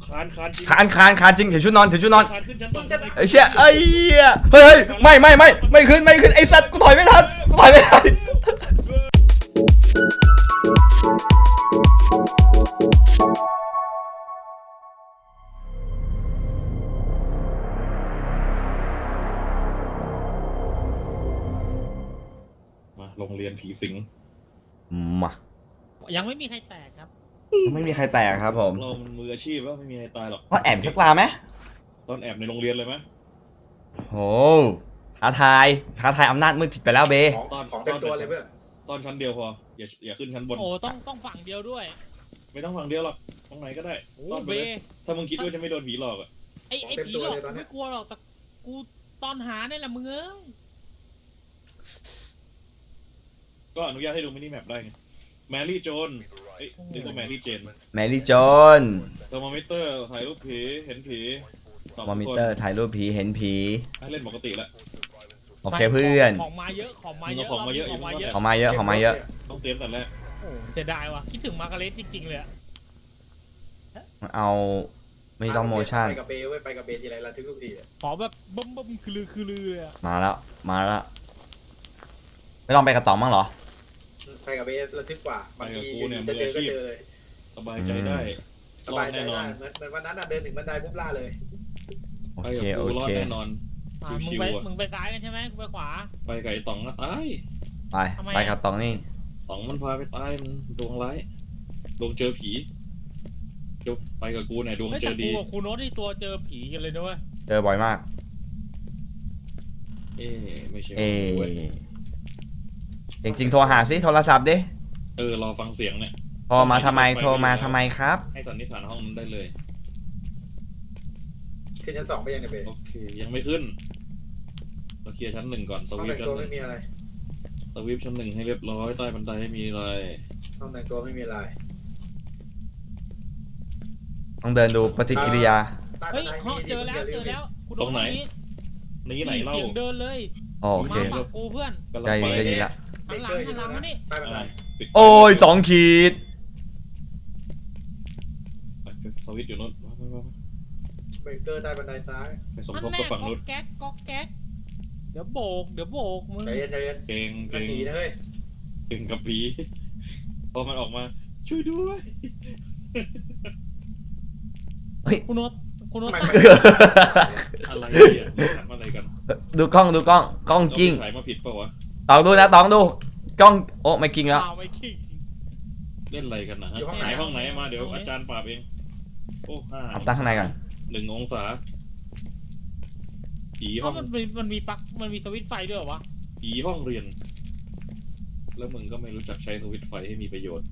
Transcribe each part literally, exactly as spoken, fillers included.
คานคานจริงคานคานคานจริงถือชุดนอนถือชุดนอนคานขึ้นชั้นสองไอ้เชี่ยไอ้เหี้ยเฮ้ยไม่ไม่ไม่ไม่ขึ้นไม่ขึ้นไอ้สัตว์กูถอยไม่ทันกูถอยไม่ทันมาโรงเรียนผีสิงมายังไม่มีใครแตกครับไม่มีใครแตกครับผมเรามันมืออาชีพแล้วไม่มีใครตายหรอกก็แอบสักลาไหมตอนแอบในโรงเรียนเลยไหมโอ้ท้าทายท้าทายอำนาจมืดผิดไปแล้วเบของของเต็มตัวเลยเพื่อนซ่อนชั้นเดียวพออย่าอย่าขึ้นชั้นบนโอ้ต้องต้องฝั่งเดียวด้วยไม่ต้องฝั่งเดียวหรอกตรงไหนก็ได้โอ้ซ่อนไปเบเลยถ้ามึงคิดว่าจะไม่โดนผีหลอกอ่ะไอไอผีหลอกกูไม่กลัวหรอกแต่กูตอนหาเนี่ยแหละมึงเอ้ยก็อนุญาตให้ดูมินิแมปได้ไงแมรี่โจนเอ้ยนี่ก็แมรี่เจนแมรี่โจนเทอร์โมมิเตอร์ถ่ายรูปผีเห็นผีตอบมอทุมิกคนเตอร์ถ่ายรูปผีเห็นผีให้เล่นปกติแล้วโอเคเพื่อนของมาเยอะของมาเยอะของมาเยอะของมาเยอะของมาเยอะของมาเยอะต้องเตรียมแต่แรกโอ้เสียดายว่ะคิดถึงมาร์กาเร็ตจริงๆเลยอะเอาไม่ต้องโมชั่นไปกับเบย์เว้ยไปกับเบย์ทีไรระทึกทุกทีเลยขอแบบบึ้มบึ้มคือลือคือลือเลยอะมาแล้วมาแล้วไม่ลองไปกระต่อมบ้างเหรอไปกับเบย์ระทึกกว่าบางทีจะเจอก็เจอเลยสบายใจได้สรอบายดใจแน่นอได้นเหมือนเหมือนวันนั้นอ่ะเดินถึงบันไดปุ๊บล่าเลยโอไปเคกับโอกูรอดเคแน่นอนอ่ะมึงชิวไปๆอ่ะมึงไปซ้ายกันใช่ไหมกูไปขวาไปกับไอ้ต๋องก็ตายไปทำไมไปกระต่องนี่ต๋องมันพาไปตายมันดวงร้ายดวงเจอผีเดี๋ยวไปกับกูเนี่ยดวงเฮ้ยเจแต่อกูดีกับครูโน้ตที่ตัวเจอผีกันเลยด้วยเจอบ่อยมากเอ๊ะไม่ใช่เอเว้ยจริงๆโทรหาสิโทรศัพท์ดิเออรอฟังเสียงเนี่ยโทรมาทำไมโทรมาทำไมครับให้สันนิษฐานห้องนั้นได้เลยขึ้นชั้นสองไปยังเนี่ยเบย์โอเคยังไม่ขึ้นเราเคลียร์ชั้นหนึ่งก่อนสห้องวิปแต่งชั้ตัวนหไม่นึ่งมีอะไรสวิปชั้นหนึ่งให้เรียบร้อยใต้บันไดให้มีอะไรห้องแต่งตัวไม่มีอะไรต้องเดินดูปฏิกิริยาใต้เฮ้บัยนไดห้มีองเจอแล้วเจอแล้วกูโดตรงไหนนี้นี่ไหนเล่าเสียงเดินเลยโอเคมาฝั่งกูเพื่อนกำลังได้ไปได้ยินละเบหันเกหลัอง ร์อหัยู่นหลังนะมานี่ใต้บันไดอ่าปิดไฟโอ้ยสองขีดสวิตช์อยู่โนู้นเบเกอร์ใต้บันไดซ้ายไปสมนั่นทบแน่กับฝั่งก๊อนู้นกแก๊กก๊อกแก๊กเดี๋ยวโบกเดี๋ยวโบกมึงใจเย็นใจเย็นเก่งกัเก่นงผีนะเฮ้ยเก่งกับผีพอมันออกมาช่วยด้วยคุณโน้ตคุณโน้ตไม่ตั้งไม่อะไรเนี่ยถามอะไรกันดูกล้องดูกล้องกล้องกิ้งถ่ายมาผิดเปล่าวะตองดูนะตองดูกล้องโอ้ไม่กิ้งแล้วเปล่าไม่คิงเล่นอะไรกันนะฮะไหนห้องไหนมาเดี๋ยวอาจารย์ปราบเองโอ้ห้าเอาตั้งข้างในก่อนหนึ่งองศาผีเพห้องราะมันมีมันมีปลั๊กมันมีสวิตช์ไฟด้วยเหรอวะผีห้องเรียน แล้วมึงก็ไม่รู้จักใช้สวิตช์ไฟให้มีประโยชน์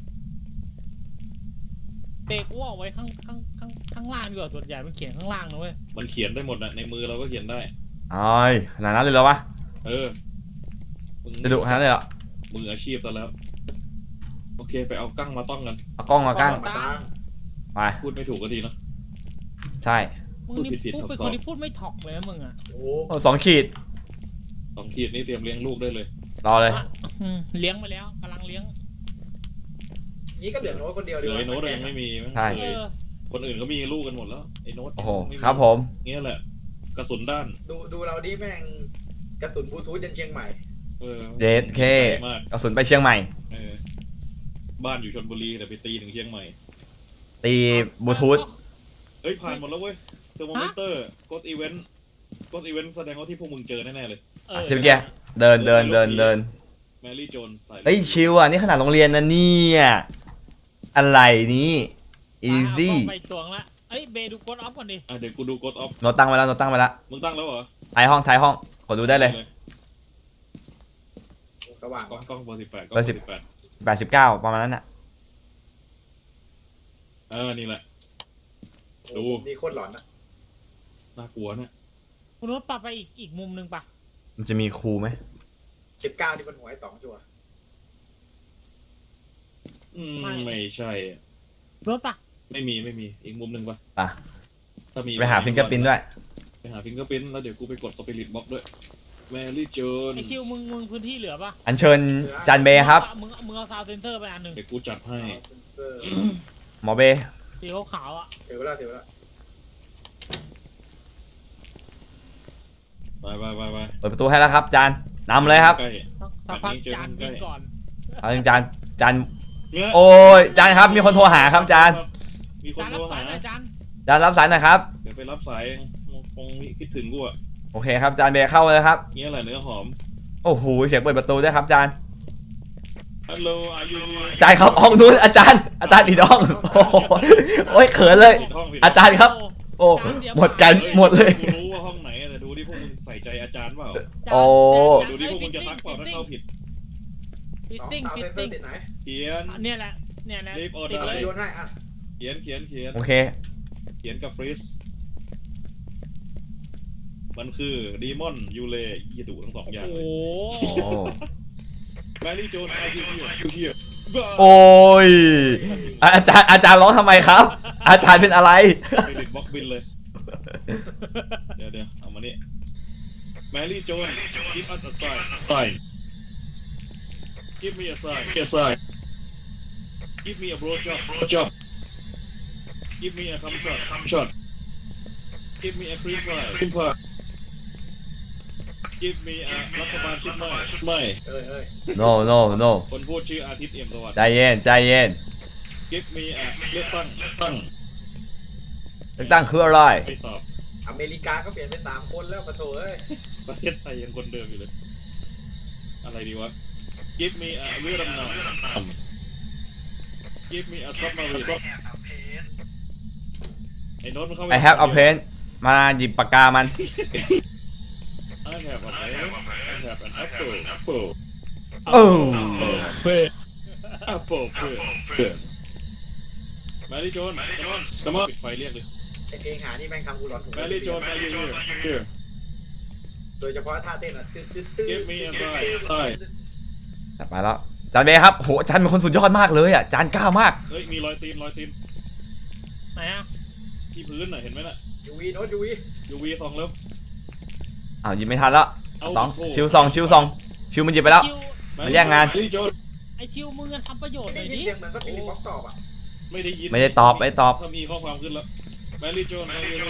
เบรกว่าเอาไว้ข้างข้างข้างข้างล่างดีกว่าส่วนใหญ่มันเขียนข้างล่างนะเว้ยมันเขียนได้หมดนะในมือเราก็เขียนได้โอ้ยขนาดนั้นเลยเหรอวะเออมึงจะดุขนาดนั้นเลยเหรอมืออาชีพซะแล้ว โอเคไปเอากั้งมาต้องกันเอากล้องมากั้งมาตั้งไปพูดไม่ถูกก็ดีเนาะใช่มึงนี่พูดผิดๆพูดเป็นซับซ้คอนนที่พูดไม่ถอกเลยนะมึงอ่ะโอ้โอ้สองขีดสองขีดนี้เตรียมเลี้ยงลูกได้เลยรอเลยอ่ะอืมเลี้ยงไปแล้วกำลังเลี้ยงนี่ก็เหลือโน้ตคนเดียวเหดีลือวะไอ้โน้ตยังไม่มีมั้งใช่เอเลยอคนอื่นก็มีลูกกันหมดแล้วไอ้โน้ตโอ้โหไครับผมเงี้ยแหละ กระสุนด้านดูดูเราดิแม่งกระสุนบลูทูธยันเชียงใหม่เออเดทเคมากกระสุนไปเชียงใหม่เออบ้านอยู่ชลบุรีแต่ไปตีถึงเชียงใหม่ตีบลูทูธเฮ้ย ผ่านหมดแล้วเว้ยเทอร์โมมิเตอร์โกสอีเวนต์โกสอีเวนต์แสดงว่าที่พวกมึงเจอแน่ๆเลยเออ่ะอสิเมื่อกี้เดินเดินเดินเดินแมรี่โจนส์เฮ้ยชิวอ่ะนี่ขนาดโรงเรียนนะเนี่ยอะไรนี่อีซี่ไปตวงละเอ้ยเบดูกดออฟก่อนดิอ่ะเดี๋ยวกูดูโกสออฟโนตตั้งไว้แล้วโนตตั้งไว้แล้วมึงตั้งแล้วเหรอท้ายห้องท้ายห้องกดดูได้เลยสว่างกล้องวะกล้องเบอร์สิบแปดกล้องเบเบออร์สิบร์สิบแปดแปดสิบเก้าประมาณนั้นอ่ะเออนี่แหละ ดูนี่โคตรหลอนนะน่ากลัวเนี่ยคุณโน้ตปรับไปอีกอีกมุมหนึ่งปะมันจะมีครูไหมสิบเก้าที่บนหัวไอ้ต๋องชัวร์อืมไม่ใช่อะรถปะไม่มีไม่มีอีกมุมหนึ่งปะอ่ะถ้ามีไปหาฟิงเกอร์พินด้วยไปหาฟิงเกอร์พินแล้วเดี๋ยวกูไปกดสปิริตบ็อกด้วยแมรี่โจนไอคิวมึงมึงพื้นที่เหลือปะอัญเชิญจานเบย์ครับมึงมึงเอาซาวด์เซนเตอร์ไปอันหนึ่งเดี๋ยวกูจัดให้เซนเซอร์หมอเบย์สีขาวๆอ่ะถือแล้วถือแล้วไปไปไปไปเปิดประตูให้แล้วครับจานนำเลยครับใกล้สักพักจานวิ่งก่อนเอาจริงจานจานเนี่ยโอ้ยจานครับมีคนโทรหาครับจานมีคนจานโทรับรสาหายหน่อยจานจานรับสายหนะครับเดี๋ยวไปรับสายคงคิดถึงกูอะโอเคครับจานเบย์เข้าเลยครับเงี้ยแหละเนื้อหอมโอ้โหเสียงเปิดประตูด้วยครับจานฮัลโหลอายุจานครับห้องนู้นอาจารย์ อาจารย์ผิดห้องโอ้โหโอ้ยเขินเลยผิดห้องผิดอาจารย์ครับ โอ้หมดกันหมดเลยกูรู้ว่าห้องไหนแต่ดูที่พวกมึงใส่ใจอาจารย์เปล่าโอ้ดูที่พวกมึงจะทักเปล่าถ้าเข้าผิดฟิตสองติ้งเตาฟิเซตนเซอติ้งร์ติดไหนเขียนเนี่ยแหละเนี่ยแหละรีบออเดอติดร์เลยโยนให้อ่ะเขียนเขียนเขียนโอเคเขียนกับฟรีสมันคือดีมอนยูเลยี่ดุทั้งสองอย่างโอ้เลยโหแมรี่โจนส์อายุเฮียยูเฮียโอ้ยอาจารย์อาจารย์ร้องทำไมครับ อาจารย์เป็นอะไรไปดิดบล็อกบินเลย เดี๋ยวเดี๋ยวเอามานี่แมรี่โจนส์ give us a sign sign give me a sign a sign give me a blow job blow job give me a cum shot cum shot give me a cream pie cream pie give me a รัฐบาลชุดใหม่ไม่เอ้ยเอ้ย no no no คนพูดชื่ออาทิตย์เอี่ยมสวัสดิ์ใจเย็นใจเย็น give me a เลือกตั้งเลือกตั้งเลือกตั้งคืออะไรไม่ตอบอเมริกาก็เปลี่ยนเป็นสามคนแล้วปะโถเอ้ยประเทศไทยยังคนเดิมอยู่เลย อะไรดีวะ give me a เรือดำน้ำ give me a submarine ไอ้โน้ตมันเข้าไป I have a pen มาหยิบปากกามัน I have a pen I have an apple apple โอ้เพื่อ apple เพื่อเพื่อแมรี่โจนส์ come on come on ปิดไฟเรียกเลยไอเพลงหานี่แม่งทำกูร้อนหูแมรี่โจนส์ are you here here โดยเฉพาะท่าเต้นอ่ะตื้อตื้อตื้อ Give me a sign จัดไปแล้วจานเบย์ครับโหจานเป็นคนสุดยอดมากเลยอ่ะจานกล้ามากเฮ้ยมีรอยตีนรอยตีนไหนอ่ะที่พื้นน่ะเห็นไหมน่ะยูวีโน้ตยูวียูวีสองแล้วอ้าวหยิบไม่ทันแล้วเอาต้องโถ่ชิวซองชิวซองชิวมันหยิบไปแล้วชิวมันแย่งงานแมรี่โจนส์ไอชิวมึงอะทำประโยชน์หไม่น่ได้อยยินดิเสียงเหมือนสปิริตบ็อกตอบอ่ะไม่ได้ยินไม่ได้ตอบไม่ได้ตอบถ้ามีข้อความขึ้นแล้วแมรี่โจนส์ are you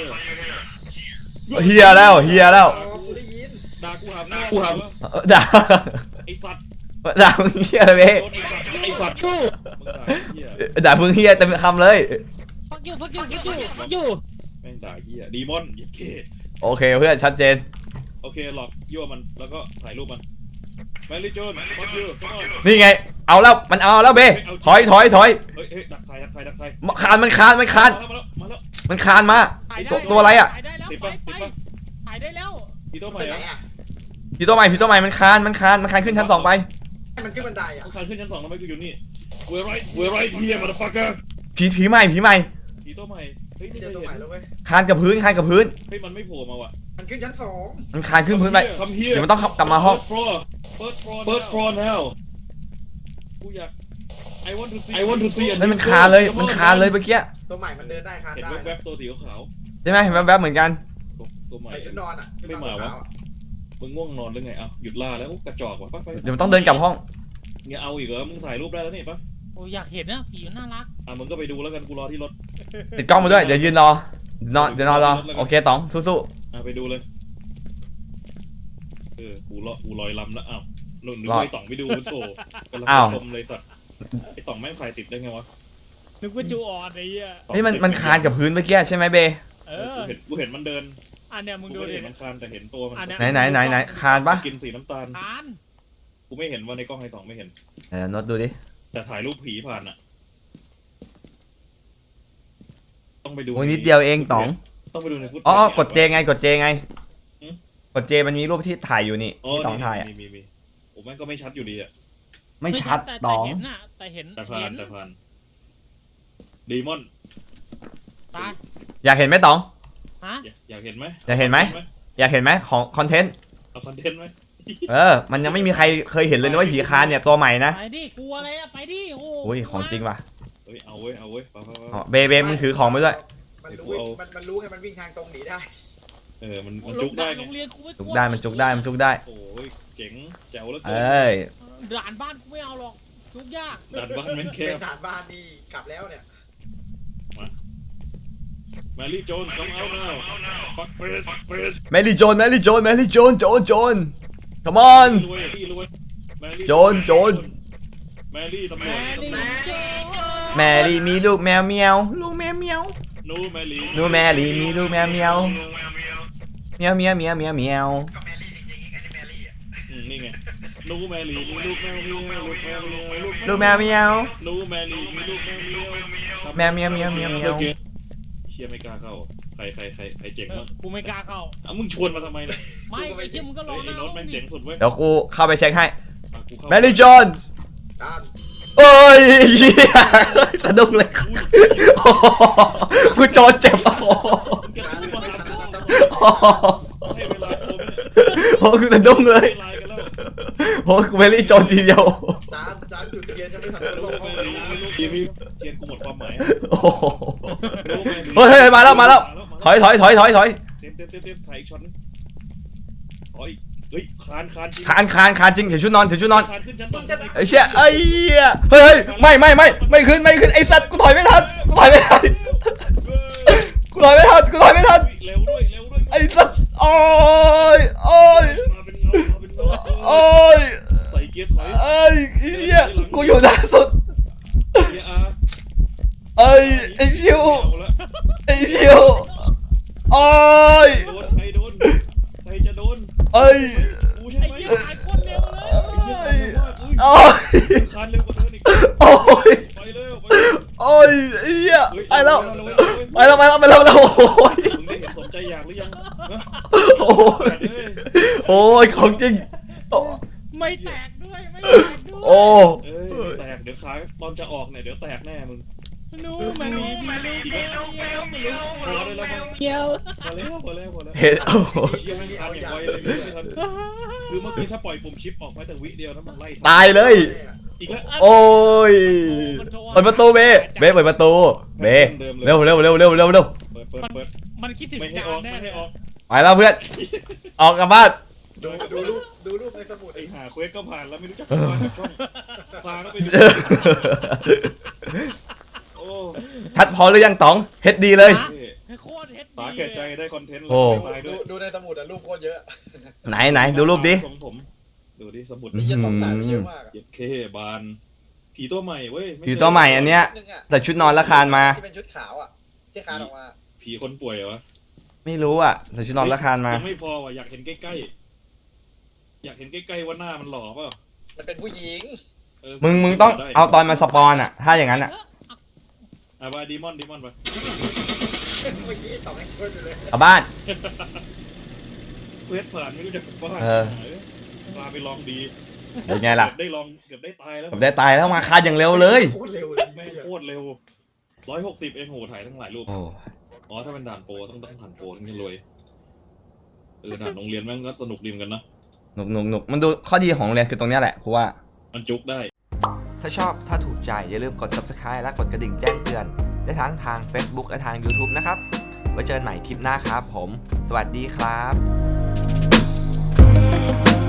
here เฮียแล้วเฮียแล้วอ๋อกูได้ยินด่ากูหามหน้ากูหามเออด่าไอสัตว์ด่ามึงเฮียอะไรเบย์โดนไอสัตว์ไอสัตว์กูมึงด่าไอ้เหี้ยด่ามึงเฮียเต็มคำเลยฟักยูฟักยูฟักยูฟักยูแม่งด่าเหี้ยดีมอนเหี้ยเคโอเคเพื่อนชัดเจนโอเคหลอกยั่วมันแล้วก็ถ่ายรูปมันแมรี่โจนส์ fuck you come on นี่ไง เอาแล้วมันเอาแล้วเบย์ถอยถอยถอยเฮ้ยเฮ้ยดักใครดักใครดักใครคานมันคานมันคานมาแล้วมาแล้วมันคานมาถ่ายได้ตัวตัวอะไรอ่ะถ่ายได้แล้วติดไปปะไปติดปะถ่ายได้แล้วพี่โต้ใหม่เป็นไหนอะอ่ะพี่ตัวใหม่พี่ตัวใหม่มันคานมันคานมันคานขึ้นชั้นสองไปให้มันขึ้นบันไดอ่ะต้องคานขึ้นชั้นสองทำไมกูอยู่นี่ we're right we're right here motherfucker ผีผีใหม่ผีใหม่พี่โต้ใหม่เฮ้ยนี่เจเคอย ตัวเห็ใหม่นแล้วเว้ยคานกับพื้นคานกับพื้นเฮ้ยมันไม่โผล่มาว่ะมันขึ้นชั้นสองมันคานขึ้นพื้นไปคำเฮียเดี๋ยวมันต้องกลับมาห้อง first floor first floor first floor now กูอยาก I want to see I want to see นั่นมันคานเลยมันคานเลยเมื่อกี้ตัวใหม่มันเดินได้คานเห็นได้แวบๆตัวสีขาวใช่ไหมเห็นแวบๆเหมือนกันๆตัวใหม่ใส่ชุดนอนอ่ะชุดนอนไม่มาวะขาวอ่ะมึงง่วงนอนหรือไงเอ้าหยุดล่าแล้วโอ้กระจอกว่ะไปไปเดี๋ยวมันต้องเดินกลับห้องเงี้ยเอาอีกเหรอมึงถ่ายรูปได้แล้วนี่ปะโอ้อยากเห็นนะผีมันน่ารักอ่ะมึงก็ไปดูแล้วกันกูรอที่รถติดกล้องมาด้วยเดี๋ยวยืนรอนอนเดี๋ยวนอนรอโอเคต๋องสู้อ่ะไปดูเลยเออกูรอกูลอยลำแล้วอ้าวหนุ่นนึกว่าไอ้ต่องไปดูโถกำลังชมเลยสัตว์ไอ้ต่องแม่งถ่ายติดได้ไงวะนึกว่าจูออนไอ้เหี้ยๆเฮ้ยมันมันคานกับพื้นเมื่อกี้ใช่ไหมเบย์เอเอออกูเห็นกูเห็นมันเดินอันเนี้ยมึงกูดูไม่ได้ดิเห็นมันคานแต่เห็นตัวมันอันเนี้ยไหนไหนไหนไหนคานปะกินสีน้ำตาลทานกูไม่เห็นว่าในกล้องไอ้ต่องไม่เห็นเดี๋ยวโน้ตดูดิแต่ถ่ายรูปผีผ่านอ่ะต้องไปดูโอ้ยนิดเดียวเองต๋องต้องไปดูในฟุตอ๋อกดเจไงกดเจไงหืมกดเจมันมีรูปที่ถ่ายอยู่นี่อ๋อที่ต๋องถ่ายอะมีมีมีโอ้แม่งก็ไม่ชัดอยู่ดีอ่ะไม่ชัดแต่ต๋องแต่เห็นน่ะแต่เห็นแต่ผ่าเห็นนแต่ผ่านดีมอนตาอยากเห็นไหมต๋องฮะอยากอยากเห็นไหมอยากเห็นไหม อยากเห็นไหมของคอนเทนต์เอาคอนเทนต์ไหมเออ มันยังไม่มีใครเคยเห็นเลยนะว่าผีคานเนี่ยตัวใหม่นะไปดิกลัวอะไรอะไปดิโอ้อุ้ยของจริงว่ะเฮ้ยเอาเว้ยเอาเว้ยไปไปไปอ๋อเบเบมึงถือของไปด้วยมันรู้มันมันรู้ไงมันวิ่งทางตรงหนีได้เออมันโอ้มันโหจุกได้ไงโรงเรียนกูไม่กจุลักวได้มันจุกได้มันจุกได้โอ้ยเจ๋งแจ๋วแล้วเกิเอ้ยด่านบ้านกูไม่เอาหรอกจุกยากดันบ้านแม่งแคเป็บนฐานบ้านนี่กลับแล้วเนี่ยมาแมรี่โจนต้องเอาแล้วฟักเฟสเฟสแมรี่โจนแมรี่โจนแมรี่โจนโจนโจน come on รวยพี่รวยแมรี่โจนโจนแมรี่ตำรแมวจรี่โจแมรี่มีลูกแมวเมียวลูกแมวเมียวนูแมรี่นูแมรี่มีลูกแมวเมียวเมียวเมียวเมียวเมียวเมียวอืมนี่ไงนูแมรี่มีลูกแมวเมียวลูกแมวเมียวลูกแมวเมียวนูแมรี่มีลูกแมวเมียวแมวเมียวเมียวเมียวเมียวเชียไม่กล้าเข้าใครใครใครใครเจ๋งมั้งกูไม่กล้าเข้าอ่ะมึงชวนมาทำไมเนี่ยไม่ไอ้เชี่ยมึงก็รอไอ้นะโน้ตแม่งเจ๋งสุดเว้ยเดี๋ยวกูเข้าไปเช็คให้อ่ะกูเข้าแมรี่โจนการโอ้ยเหี้ยสะดุ้งเลยอุ้ยโอ้โหกูโจนเจ็บโอ้โหมึงจะการพูดไม่มาทันหาแล้วพ่อโอ้โหให้เวลาผมเนี่ยโอ้กูสะดุ้งเลยไลน์กันแล้วโอ้กูแมรี่โจนทีเดียวจานจานจุดเทียนจะไม่ทันลูลกงห้แม่องลีน้ลูกทีมีเทียนกูหมดความหมายโอ้โหลูกแม่ลีเฮ้ยเฮ้ยมาแล้วมาแล้วถอยถอยถอยถอยถอยเต็มเต็มเต็มเต็มถ่ายอีกช็อตนึงถอยเฮ้ยคานคานจริงคานคานคานจริงถือชุดนอนถือชุดนอนคานขึ้นชั้นสองไอ้เชี่ยไอ้เหี้ยเฮ้ยเฮ้ยไม่ไม่ไม่ไม่ขึ้นไม่ขึ้นไอ้สัตว์กูถอยไม่ทันกูถอยไม่ทันกูถอยไม่ทันกูถอยไม่ทันเร็วด้วยเร็วด้วยไอ้สัตว์โอ้ยโอ้ยมาเป็นเงามาเป็นเงาโอ้ยใส่เกียร์ถอยไอ้เหี้ยกูอยู่ด้านสุดเกียร์อาร์ไอ้ไอ้ชิวเอาละไอ้ชิวโอ้ยโดนใครโดนใครจะโดนไอ้กูใช่ไอ้ไหมเชี่ยหายโคตรเร็วเลยไอ้เหี้ยคานเร็วมากอุ้ยโอ้ยคานเร็วกว่าเดิมอีกโอ้ยไปเร็วไปโอ้ยไอ้เหี้ยเฮ้ยไปแล้วเร็วไปแล้วไปแล้วไปแล้วไปแล้วโอ้ยมึงได้เห็นสมใจอยากหรือยังฮะโอ้ยเฮ้ยโอ้ยของจริงโอ้ไม่แตกด้วยไม่แตกด้วยโอ้เอ้ยแตกเดี๋ยวขาตอนจะออกเนี่ยเดี๋ยวแตกแน่มึงนูแมรี่มีลูกแมวเมียวเมียวพอได้แล้วมั้งเมียวพอแล้วพอแล้วพอแล้วเห็นโอ้โหเชี่ยไม่ทันอย่างไวเลยไม่ทันคือเมื่อกี้ถ้าปล่อยปุ่มชิปออกไปแต่วิเดียวนะมันไล่ตายเลยอีกแล้วโอ้ยเปิดประตูเบเบเปิดประตูเบเร็วเร็วเร็วเร็วเร็วเร็วเปิดเปิดเปิดมันคิดถึงไม่ให้จาออน กแน่ไม่เลให้ยออกไปแล้วเพื่อนออกกลับบ้านดูดูรูปดูรูปในสมุดไอ้หาเควสก็ผ่านแล้วไม่รู้จักผ่านกับช่องพาก็ไปดูโอ้ชัดพอหรือยังต๋องเฮ็ดดีเลยให้โคตรเฮ็ดสาดีแก่ใจได้คอนเทนต์โอ้ตายด้ดูวยดูในสมุดอะรูปโคตรเยอะไหนไหนดูรูปดิผมผมดูดิสมุดอืมีเยอะต้องแต่เยอะมากอะเจ็ดเคบานผีตัวใหม่เว้ยไผีตัวใหม่อันเนี้ยนึงอะแต่ชุดนอนละคานมาที่เป็นชุดขาวอะที่คานออกมาผีคนป่วยเหรอไม่รู้อ่ะแต่ชุดนอนละคานมายังไม่พอว่ะอยากเห็นใกล้ๆอยากเห็นใกล้ๆว่าหน้ามันหล่อเปล่ามันเป็นผู้หญิงเออมึงมึงต้องเอาตอนมาสปอนอ่ะ ถ้าอย่างนั้นอ่ะอ่ะมาดีมอนดีมอนไปเมื่อกี้ต่อให้ช่วยไปเลยกลับบ้านเควสผ่านไม่รู้จะกลับบ้านเออพาไปลองดีเป็นไงล่ะเกือบได้ลองเกือบได้ตายแล้วผมได้ตายแล้วมาคานอย่างเร็วเลยโคตรเร็วเลยแม่งโคตรเร็วร้อยหกสิบเองโหถ่ายทั้งหลายรูปโอ้อ๋อถ้าเป็นด่านโปรต้องต้องด่านโปรถึงจะรวยเออด่านโรงเรียนแม่งก็สนุกดีเหมือนกันนะหนุกหนุกหนุกมันดูข้อดีของโรงเรียนคือตรงเนี้ยแหละกูว่ามันจุกได้ถ้าชอบถ้าถูกใจอย่าลืมกด ซับสไครบ์ และกดกระดิ่งแจ้งเตือน ได้ทั้งทาง Facebook และทาง ยูทูบ นะครับ ไว้เจอกันใหม่คลิปหน้าครับผม สวัสดีครับ